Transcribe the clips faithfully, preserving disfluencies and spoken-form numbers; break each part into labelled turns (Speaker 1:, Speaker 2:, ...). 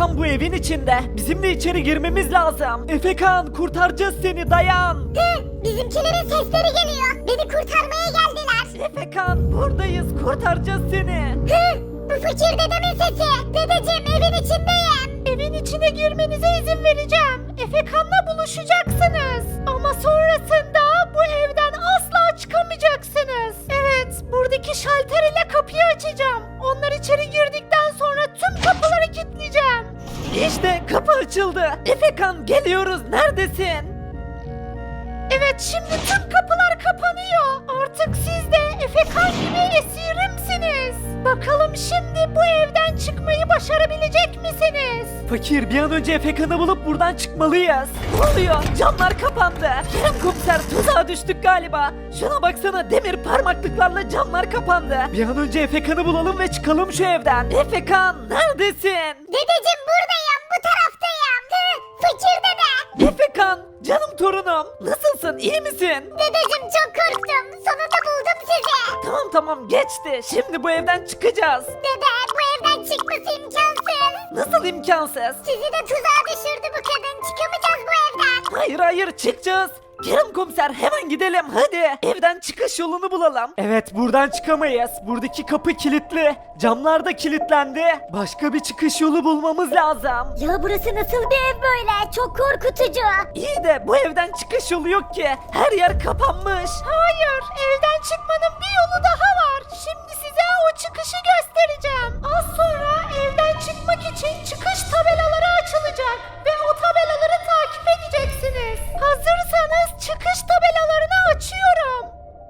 Speaker 1: Efekan bu evin içinde. Bizim de içeri girmemiz lazım. Efekan kurtaracağız seni, dayan.
Speaker 2: Hı, bizimkilerin sesleri geliyor. Beni kurtarmaya geldiler.
Speaker 1: Efekan buradayız, kurtaracağız seni.
Speaker 2: Hı, bu fakir dedemin sesi. Dedeciğim evin içindeyim.
Speaker 3: Evin içine girmenize izin vereceğim. Efekan'la buluşacaksınız. Ama sonrasında bu evden asla çıkamayacaksınız. Evet, buradaki şalter ile kapıyı açacağım. Onlar içeri girdikten sonra tüm kapıları kilitleyeceğim.
Speaker 1: İşte kapı açıldı. Efekan geliyoruz, neredesin?
Speaker 3: Evet, şimdi tüm kapılar kapanıyor. Artık siz de Efekan gibi esirimsiniz. Bakalım şimdi bu evden çıkmayı başarabilecek misiniz?
Speaker 1: Fakir, bir an önce Efekan'ı bulup buradan çıkmalıyız. Ne oluyor? Camlar kapandı. Kerem komiser, tuzağa düştük galiba. Şuna baksana, demir parmaklıklarla camlar kapandı. Bir an önce Efekan'ı bulalım ve çıkalım şu evden. Efekan neredesin?
Speaker 2: Dedeciğim buradayım. Bu taraftayım. Hı, fakir dede.
Speaker 1: Efekan, canım torunum. Nasılsın, iyi misin?
Speaker 2: Dedeciğim çok korktum. Sonunda buldum sizi.
Speaker 1: Tamam tamam, geçti. Şimdi bu evden çıkacağız.
Speaker 2: Dede bu evden çıkması imkansız.
Speaker 1: Nasıl imkansız?
Speaker 2: Sizi de tuzağa düşürdü bu kadın. Çıkamayacağız bu evden.
Speaker 1: Hayır hayır, çıkacağız. Kerem komiser, hemen gidelim hadi. Evden çıkış yolunu bulalım. Evet, buradan çıkamayız. Buradaki kapı kilitli. Camlar da kilitlendi. Başka bir çıkış yolu bulmamız lazım.
Speaker 2: Ya burası nasıl bir ev böyle? Çok korkutucu.
Speaker 1: İyi de bu evden çıkış yolu yok ki. Her yer kapanmış.
Speaker 3: Hayır, evden çıkmanın bir yolu daha var. Şimdi size o çıkışı göstereceğim. Az sonra evden çıkmak için çıkış tabelaları açılacak ve o tabelaları takip edeceksiniz. Hazırsanız çıkış tabelalarını açıyorum.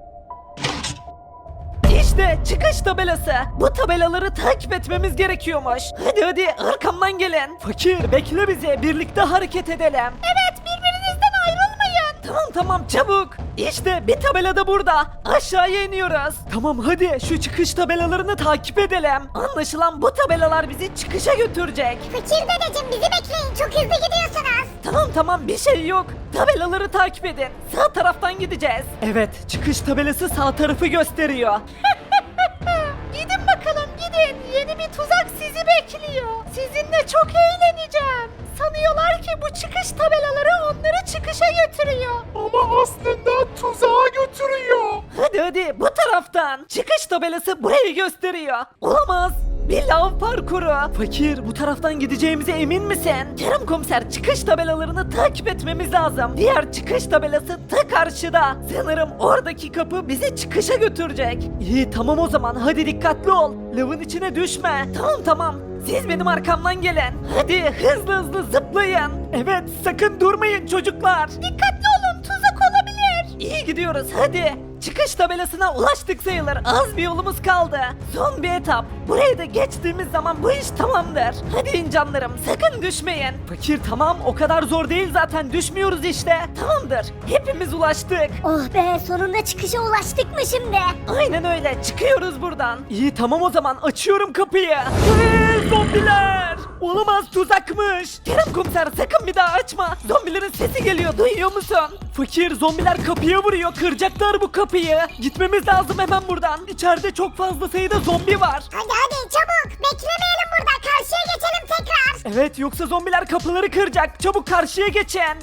Speaker 1: İşte çıkış tabelası. Bu tabelaları takip etmemiz gerekiyormuş. Hadi hadi, arkamdan gelin. Fakir, bekle bizi. Birlikte hareket edelim.
Speaker 3: Evet, birbirinizden ayrılmayın.
Speaker 1: Tamam tamam, çabuk. İşte bir tabela da burada. Aşağıya iniyoruz. Tamam hadi, şu çıkış tabelalarını takip edelim. Anlaşılan bu tabelalar bizi çıkışa götürecek.
Speaker 2: Fakir dedeciğim bizi bekleyin. Çok hızlı gidiyorsunuz.
Speaker 1: Tamam tamam, bir şey yok. Tabelaları takip edin. Sağ taraftan gideceğiz. Evet, çıkış tabelası sağ tarafı gösteriyor.
Speaker 3: Gidin bakalım gidin. Yeni bir tuzak sizi bekliyor. Sizinle çok eğleneceğim. Sanıyorlar ki bu çıkış tabelaları onları çıkışa götürüyor.
Speaker 4: Ama aslında tuzağa götürüyor.
Speaker 1: Hadi hadi, bu taraftan. Çıkış tabelası burayı gösteriyor. Olamaz. Bir lav parkuru. Fakir, bu taraftan gideceğimize emin misin? Kerem komiser, çıkış tabelalarını takip etmemiz lazım. Diğer çıkış tabelası ta karşıda. Sanırım oradaki kapı bizi çıkışa götürecek. İyi tamam, o zaman hadi dikkatli ol. Lavın içine düşme. Tamam tamam. Siz benim arkamdan gelin. Hadi hızlı hızlı zıplayın. Evet, sakın durmayın çocuklar.
Speaker 3: Dikkatli olun, tuzak olabilir.
Speaker 1: İyi gidiyoruz, hadi. Çıkış tabelasına ulaştık sayılır. Az bir yolumuz kaldı. Son bir etap. Burayı da geçtiğimiz zaman bu iş tamamdır. Hadi in canlarım, sakın düşmeyin. Fakir, tamam, o kadar zor değil zaten, düşmüyoruz işte. Tamamdır, hepimiz ulaştık.
Speaker 2: Oh be sonunda çıkışa ulaştık mı şimdi?
Speaker 1: Aynen öyle, çıkıyoruz buradan. İyi tamam, o zaman açıyorum kapıyı. Hey, zombiler! Olamaz, tuzakmış. Kerem komiser, sakın bir daha açma. Zombilerin sesi geliyor, duyuyor musun? Fakir, zombiler kapıya vuruyor, kıracaklar bu kapıyı. Gitmemiz lazım hemen buradan. İçeride çok fazla sayıda zombi var.
Speaker 2: Hadi hadi çabuk. Beklemeyelim burada. Karşıya geçelim tekrar.
Speaker 1: Evet, yoksa zombiler kapıları kıracak. Çabuk karşıya geçin.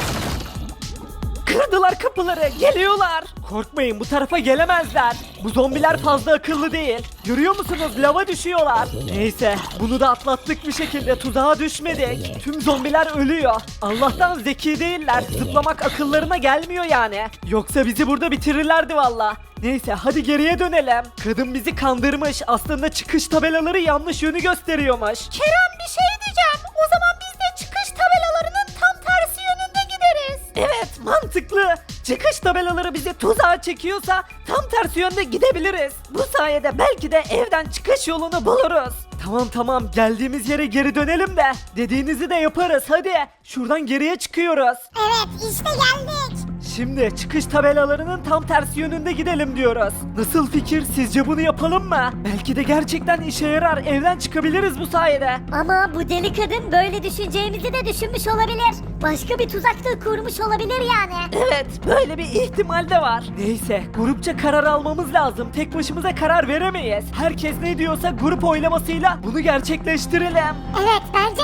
Speaker 1: Kırdılar kapıları, geliyorlar. Korkmayın, bu tarafa gelemezler. Bu zombiler fazla akıllı değil. Görüyor musunuz, lava düşüyorlar. Neyse, bunu da atlattık bir şekilde, tuzağa düşmedik. Tüm zombiler ölüyor. Allah'tan zeki değiller, zıplamak akıllarına gelmiyor yani. Yoksa bizi burada bitirirlerdi valla. Neyse, hadi geriye dönelim. Kadın bizi kandırmış, aslında çıkış tabelaları yanlış yönü gösteriyormuş.
Speaker 3: Kerem, bir şey diyeceğim. O zaman biz de çıkış tabelalarının tam tersi yönünde gideriz.
Speaker 1: Evet, mantıklı. Çıkış tabelaları bizi tuzağa çekiyorsa tam tersi yönde gidebiliriz. Bu sayede belki de evden çıkış yolunu buluruz. Tamam tamam, geldiğimiz yere geri dönelim de dediğinizi de yaparız, hadi. Şuradan geriye çıkıyoruz.
Speaker 2: Evet işte geldik.
Speaker 1: Şimdi çıkış tabelalarının tam tersi yönünde gidelim diyoruz. Nasıl fikir? Sizce bunu yapalım mı? Belki de gerçekten işe yarar. Evden çıkabiliriz bu sayede.
Speaker 2: Ama bu deli kadın böyle düşüneceğimizi de düşünmüş olabilir. Başka bir tuzak da kurmuş olabilir yani.
Speaker 1: Evet, böyle bir ihtimal de var. Neyse, grupça karar almamız lazım. Tek başımıza karar veremeyiz. Herkes ne diyorsa grup oylamasıyla bunu gerçekleştirelim.
Speaker 2: Evet bence de.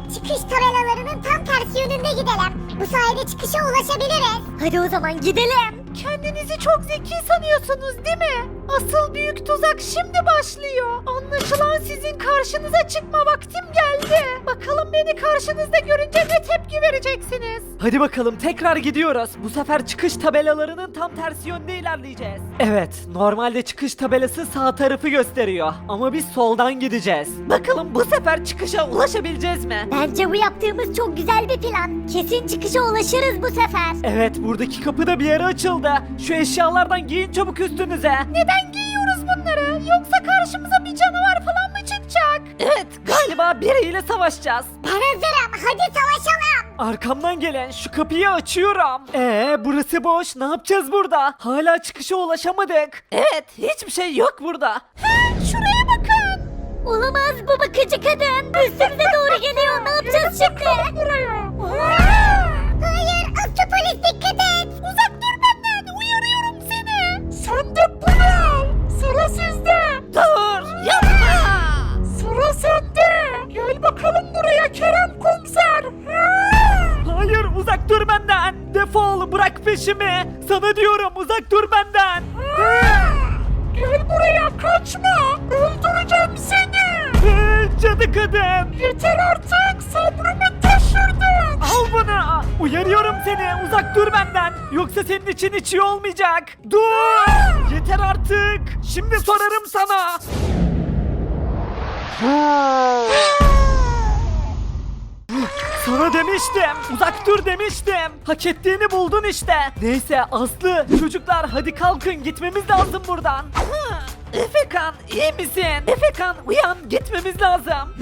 Speaker 2: çıkış tabelalarının tam tersi yönünde gidelim. Bu sayede çıkışa ulaşabiliriz. Hadi o zaman gidelim.
Speaker 3: Kendinizi çok zeki sanıyorsunuz değil mi? Asıl büyük tuzak şimdi başlıyor. Anlaşılan sizin karşınıza çıkma vaktim geldi. Bakalım beni karşınızda görünce ne tepki vereceksiniz?
Speaker 1: Hadi bakalım tekrar gidiyoruz. Bu sefer çıkış tabelalarının tam tersi yönde ilerleyeceğiz. Evet, normalde çıkış tabelası sağ tarafı gösteriyor. Ama biz soldan gideceğiz. Bakalım bu sefer çıkışa ulaşabileceğiz mi?
Speaker 2: Bence bu yaptığımız çok güzel bir plan. Kesin çıkışa ulaşırız bu sefer.
Speaker 1: Evet, buradaki kapı da bir yere açıldı. Şu eşyalardan giyin çabuk üstünüze.
Speaker 3: Neden giyiyoruz bunları? Yoksa karşımıza bir canavar falan mı çıkacak?
Speaker 1: Evet, galiba biriyle savaşacağız.
Speaker 2: Ben hazırım. Hadi savaşalım.
Speaker 1: Arkamdan gelen şu kapıyı açıyorum. Ee, burası boş. Ne yapacağız burada? Hala çıkışa ulaşamadık. Evet, hiçbir şey yok burada.
Speaker 2: He, şuraya bakın. Olamaz, bu bakıcı kadın. Üstümüze doğru geliyor. Ne yapacağız şimdi? Hayır, aslı polis dikkat et. Uzak dur benden. Uyarıyorum seni.
Speaker 4: Sen de bunu. Sıra sizde.
Speaker 1: Dur, yapma.
Speaker 4: Sıra sende. Gel bakalım buraya Kerem komiser.
Speaker 1: Hayır, uzak dur benden. Defol, bırak peşimi. Sana diyorum, uzak dur benden.
Speaker 4: Gel buraya kaçma. Öldüreceğim seni.
Speaker 1: Ee, Cadı kadın.
Speaker 4: Yeter artık sabrımı taşırdın.
Speaker 1: Al bunu. Uyarıyorum seni, uzak dur benden. Yoksa senin için hiç iyi olmayacak. Dur. Yeter artık. Şimdi sorarım sana. Sana demiştim. Uzak dur demiştim. Hak ettiğini buldun işte. Neyse Aslı, çocuklar hadi kalkın, gitmemiz lazım buradan. Hı, Efekan, iyi misin? Efekan, uyan, gitmemiz lazım.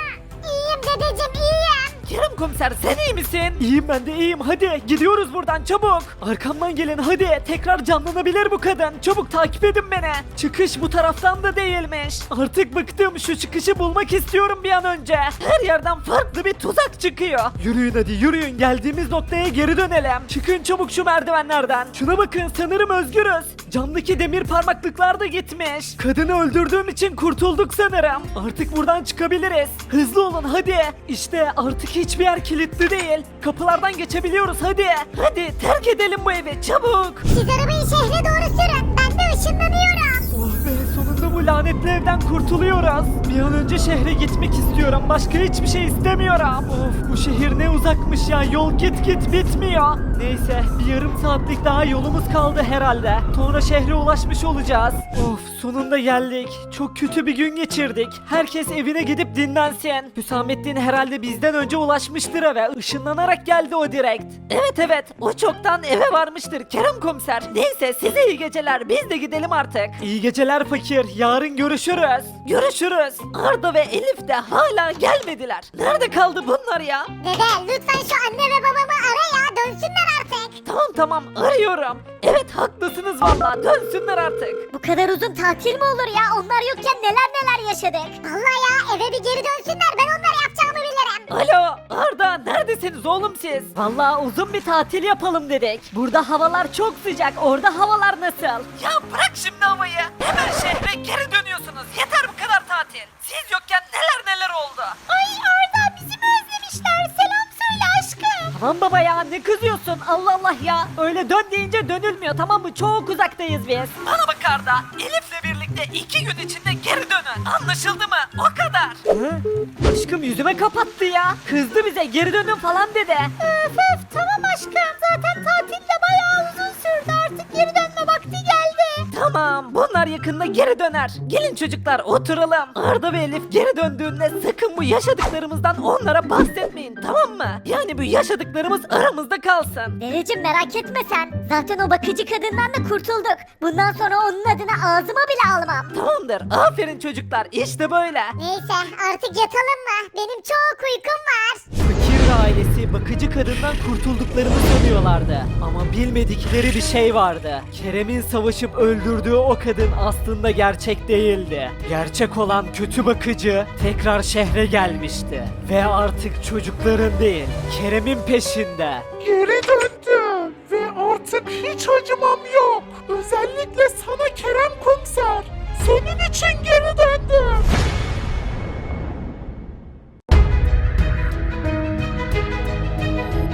Speaker 2: İyiyim dedeciğim, iyiyim.
Speaker 1: Kerem komiser, sen iyi misin? İyiyim, ben de iyiyim. Hadi gidiyoruz buradan çabuk. Arkamdan gelin hadi. Tekrar canlanabilir bu kadın. Çabuk takip edin beni. Çıkış bu taraftan da değilmiş. Artık bıktım. Şu çıkışı bulmak istiyorum bir an önce. Her yerden farklı bir tuzak çıkıyor. Yürüyün hadi yürüyün. Geldiğimiz noktaya geri dönelim. Çıkın çabuk şu merdivenlerden. Şuna bakın, sanırım özgürüz. Camdaki demir parmaklıklar da gitmiş. Kadını öldürdüğüm için kurtulduk sanırım. Artık buradan çıkabiliriz. Hızlı olun hadi. İşte artık hiçbir yer kilitli değil. Kapılardan geçebiliyoruz hadi. Hadi terk edelim bu evi çabuk.
Speaker 2: Siz arabayı şehre doğru sürün. Ben de ışınlanıyorum.
Speaker 1: Oh be, sonunda bu lanetli evden kurtuluyoruz. Bir an önce şehre gitmek istiyorum. Başka hiçbir şey istemiyorum. Of, bu şehir ne uzakmış ya. Yol git git bitmiyor. Neyse, bir yarım saatlik daha yolumuz kaldı herhalde. Sonra şehre ulaşmış olacağız. Of, sonunda geldik. Çok kötü bir gün geçirdik. Herkes evine gidip dinlensin. Hüsamettin herhalde bizden önce ulaşmıştır eve. Işınlanarak geldi o direkt. Evet evet, o çoktan eve varmıştır Kerem komiser. Neyse, size iyi geceler. Biz de gidelim artık. İyi geceler fakir. Yarın görüşürüz. Görüşürüz. Arda ve Elif de hala gelmediler. Nerede kaldı bunlar ya?
Speaker 2: Dede, lütfen şu anne ve babamı ara ya. Dönsünler artık.
Speaker 1: Tamam tamam, arıyorum. Evet haklısınız valla, dönsünler artık.
Speaker 2: Bu kadar uzun tatil mi olur ya? Onlar yokken neler neler yaşadık. Vallahi ya, eve bir geri dönsünler. Ben onlara yapacağımı bilirim.
Speaker 1: Alo Arda, neredesiniz oğlum siz? Valla uzun bir tatil yapalım dedik. Burada havalar çok sıcak, orada havalar nasıl? Ya bırak şimdi havayı. Hemen şehre geri dönüyorsunuz. Yeter bu kadar tatil. Siz yokken neler neler oldu.
Speaker 2: Ay Arda, bizi mi özlemişler? Selam söyle aşkım.
Speaker 1: Tamam baba ya, ne kızıyorsun? Allah Allah ya. Öyle dön deyince dönülmüyor, tamam mı? Çok uzaktayız biz. Bana bak Arda, Elif'le birlikte iki gün içinde geri dönün. Anlaşıldı mı? O kadar. Hı? Aşkım yüzüme kapattı ya. Kızdı bize, geri dönün falan dedi.
Speaker 3: Öf öf tamam aşkım. Zaten tatil de bayağı uzun sürdü. Artık geri dönme vakti geldi.
Speaker 1: Tamam, bunlar yakında geri döner. Gelin çocuklar, oturalım. Arda ve Elif geri döndüğünde sakın bu yaşadıklarımızdan onlara bahsetmeyin, tamam mı? Yani bu yaşadıklarımız aramızda kalsın.
Speaker 2: Dedeciğim merak etme sen. Zaten o bakıcı kadından da kurtulduk. Bundan sonra onun adını ağzıma bile almam.
Speaker 1: Tamamdır, aferin çocuklar, işte böyle.
Speaker 2: Neyse artık yatalım mı? Benim çok uykum var.
Speaker 1: Fakir ailesi bakıcı kadından kurtulduklarını sanıyorlardı. Ama bilmedikleri bir şey vardı. Kerem'in savaşıp öldürdüğü o kadın aslında gerçek değildi. Gerçek olan kötü bakıcı tekrar şehre gelmişti. Ve artık çocukların değil, Kerem'in peşinde.
Speaker 4: Geri döndüm ve artık hiç acımam yok. Özellikle sana Kerem komiser. Senin için geri döndüm.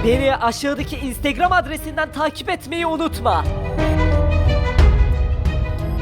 Speaker 1: Beni aşağıdaki Instagram adresinden takip etmeyi unutma.